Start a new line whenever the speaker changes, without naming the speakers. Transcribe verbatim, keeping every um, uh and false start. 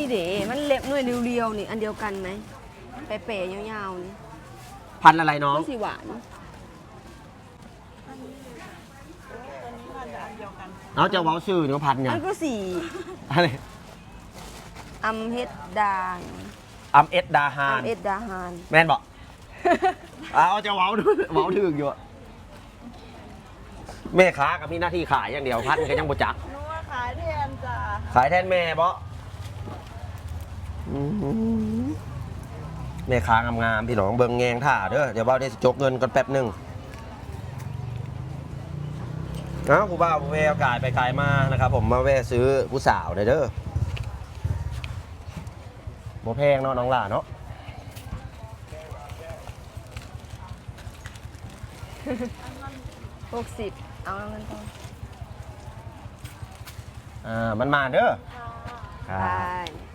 เด๋มันเล็บหน่วยเรียวๆนี่อันเดียวกันไหมเป๋ๆยาวๆนี่
พันธุ์อะไรน้อง
สีหวาน
เอาจะเว้าชื่อเนาะพันธุ์เนี่
อั
ย
นก็สี
อะไร
อัมเฮดดาน
อัมเอสดาฮา
อั
น
มเอดดาฮาน
แม่นบอก เอาจะเว้าดูเว้าถึงอยู่อะแม่ค้ากับมีหน้าที่ขายอย่างเดียวพันธุ์ก็ยังบ่จัก
หนูว่าขายแทนจ้ะ
ขายแทนแม่บ่แม่ค้างามๆพี่น้องเบิ่งแงงท่าเด้อเดี๋ยวเบ้าได้สิจกเงินกันแป๊บหนึงเอ้าผู้บ่าวผู้แววกายไปกายมานะครับผมมาแวะซื้อผู้สาวหน่อยเด้อบ่แพงเนาะน้องหล่าเนาะ
หกสิบเอาเงินทอน
อ่ามันมาเด้อ
ไป